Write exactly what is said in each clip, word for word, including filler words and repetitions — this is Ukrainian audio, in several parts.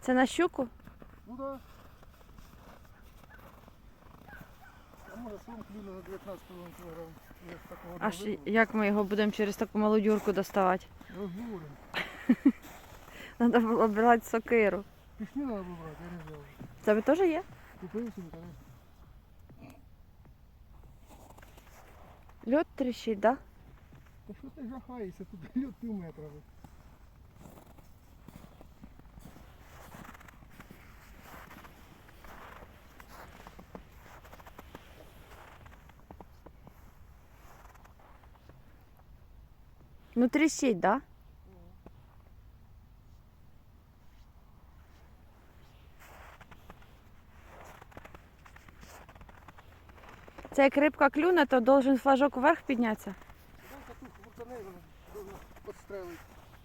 Це на щуку? Ну так. Да. А може сом клюне на дев'ятнадцять кілограм. Я ж такого Аж не вивів. як ми його будемо через таку малу дюрку доставати? Розговоримо. Треба було брати сокиру. Пішні треба було брати, я не взяв. В тебе теж є? Купив собі, конечно. Льот тріщить, так? Да? Та що ти жахаєшся, тут льот пів метра. вже. Ну тріщить, так? Да? Це як рибка клюне, то должен флажок вверх піднятися. Дай катушку буртаней, вона должна підстрелити.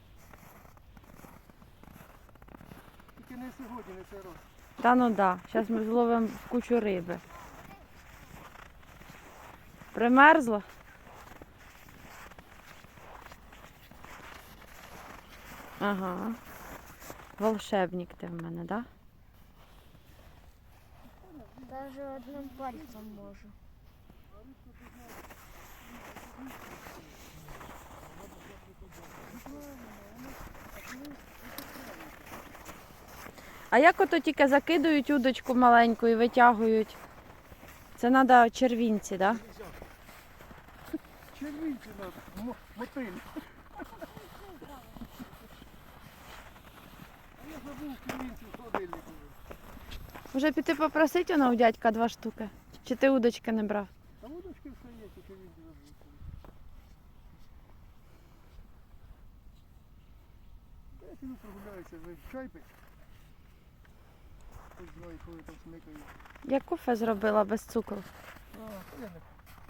Тільки не сьогодні, не цей раз. Та ну да, зараз ми зловимо кучу риби. Примерзло? Ага. Волшебник ти в мене, так? Да? Даже одним пальцем можу. А як ото тільки закидують удочку маленьку і витягують? Це треба червінці, так? Да? Червінці надо, мо- мотиль. А я забув червінці в холодильнику. Може піти попросити воно у дядька два штуки? Чи ти удочки не брав? Та удочки все є, тільки червінці забув. Та я піду прогуляюся, ви чай пить. Хоч знаю, коли там смикаю. Я кофе зробила без цукру. А, я не.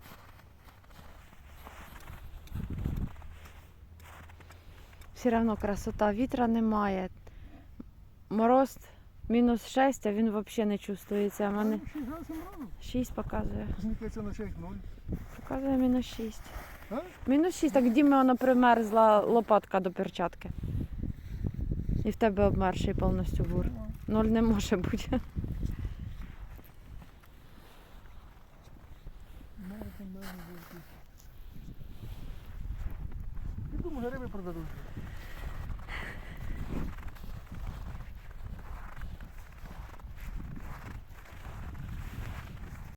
Все одно красота, вітра немає. Мороз мінус шість, а він взагалі не чувствується. У мене шість градусів морозу? шість показує. Зникається на шість нуль. Показує мінус шість. А? Мінус шість, так Дімі воно примерзла лопатка до перчатки. І в тебе обмерший повністю бур. Ноль не може бути. Мене там мене вовки. Піду, може риби продадуть.